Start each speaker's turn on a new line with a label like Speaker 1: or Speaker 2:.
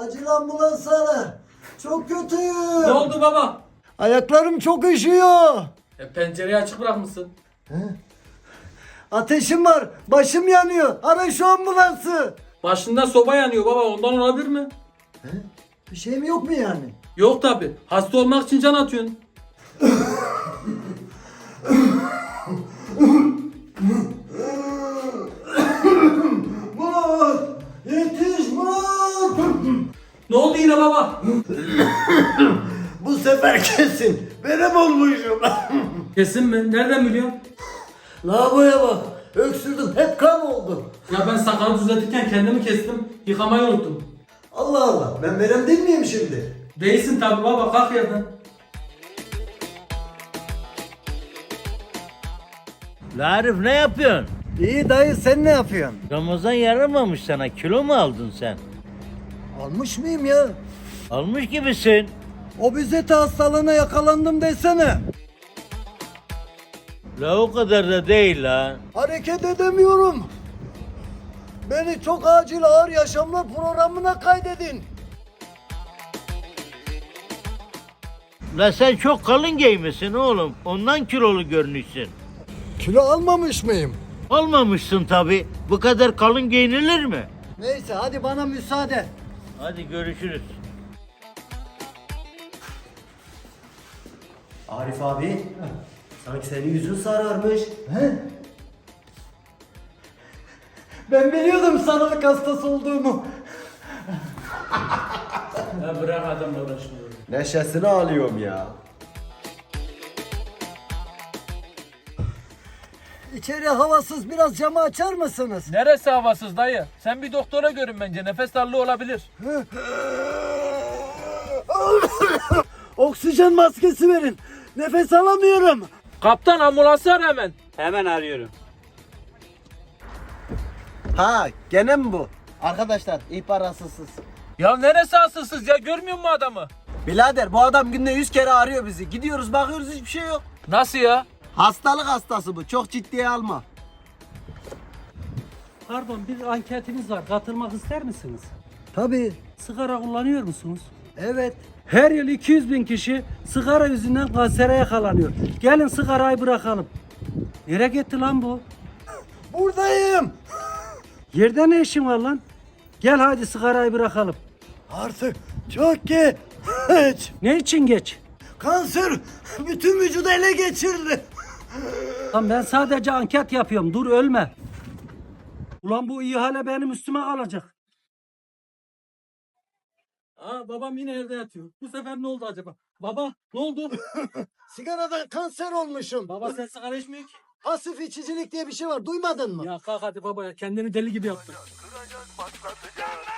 Speaker 1: Acil ambulans ara. Çok kötüyüm.
Speaker 2: Ne oldu baba?
Speaker 1: Ayaklarım çok üşüyor.
Speaker 2: Pencereyi açık bırakmışsın.
Speaker 1: Ateşim var. Başım yanıyor. Ara şu ambulansı.
Speaker 2: Başında soba yanıyor baba, ondan olabilir mi?
Speaker 1: Bir şeyim yok mu yani?
Speaker 2: Yok tabi. Hasta olmak için can atıyorsun.
Speaker 1: Murat! Yetiş Murat!
Speaker 2: Ne oldu yine baba?
Speaker 1: Bu sefer kesin. Benim olmuşum.
Speaker 2: Kesin mi? Nereden biliyorsun?
Speaker 1: Lavaboya bak. Öksürdüm. Hep kan oldu.
Speaker 2: Ya ben sakalı düzeltirken kendimi kestim. Yıkamayı unuttum.
Speaker 1: Allah Allah. Ben verem değil miyim şimdi?
Speaker 2: Değilsin tabi baba, kalk yerden.
Speaker 3: La Arif ne yapıyorsun?
Speaker 1: İyi dayı sen ne yapıyorsun?
Speaker 3: Ramazan yaramamış sana. Kilo mu aldın sen?
Speaker 1: Almış mıyım ya?
Speaker 3: Almış gibisin.
Speaker 1: Obezite hastalığına yakalandım desene.
Speaker 3: La o kadar da değil la.
Speaker 1: Hareket edemiyorum. Beni çok acil ağır yaşamlar programına kaydedin.
Speaker 3: La sen çok kalın giymişsin oğlum. Ondan kilolu görünüyorsun.
Speaker 1: Kilo almamış mıyım?
Speaker 3: Olmamışsın tabi. Bu kadar kalın giyinilir mi?
Speaker 1: Neyse hadi bana müsaade.
Speaker 3: Hadi görüşürüz.
Speaker 4: Arif abi, sanki senin yüzün sararmış.
Speaker 1: He? Ben biliyordum sarılık hastası olduğumu.
Speaker 2: Ya bırak adamla uğraşmayı.
Speaker 4: Neşesini alıyorum ya.
Speaker 1: İçeri havasız, biraz camı açar mısınız?
Speaker 2: Neresi havasız dayı? Sen bir doktora görün bence. Nefes darlığı olabilir.
Speaker 1: Oksijen maskesi verin. Nefes alamıyorum.
Speaker 2: Kaptan, ambulansı ara hemen. Hemen arıyorum.
Speaker 4: Ha, gene mi bu? Arkadaşlar, ihbar asılsız.
Speaker 2: Ya neresi asılsız ya? Görmüyor musun adamı?
Speaker 4: Birader, bu adam günde 100 kere arıyor bizi. Gidiyoruz, bakıyoruz, hiçbir şey yok.
Speaker 2: Nasıl ya?
Speaker 4: Hastalık hastası bu, çok ciddiye alma.
Speaker 5: Pardon, bir anketimiz var. Katılmak ister misiniz?
Speaker 1: Tabii.
Speaker 5: Sigara kullanıyor musunuz?
Speaker 1: Evet.
Speaker 5: Her yıl 200 bin kişi sigara yüzünden kansere yakalanıyor. Gelin sigarayı bırakalım. Nereye gitti lan bu?
Speaker 1: Buradayım.
Speaker 5: Yerde ne işin var lan? Gel hadi sigarayı bırakalım.
Speaker 1: Artık çok geç.
Speaker 5: Ne için geç?
Speaker 1: Kanser bütün vücudu ele geçirdi.
Speaker 5: Lan ben sadece anket yapıyorum. Dur ölme. Ulan bu ihale benim üstüme kalacak. Aa, babam yine evde yatıyor. Bu sefer ne oldu acaba? Baba ne oldu?
Speaker 1: Sigaradan kanser olmuşum.
Speaker 5: Baba sen sigara içmiyor ki.
Speaker 1: Pasif içicilik diye bir şey var. Duymadın mı?
Speaker 5: Ya kalk hadi baba ya, kendini deli gibi yaptın.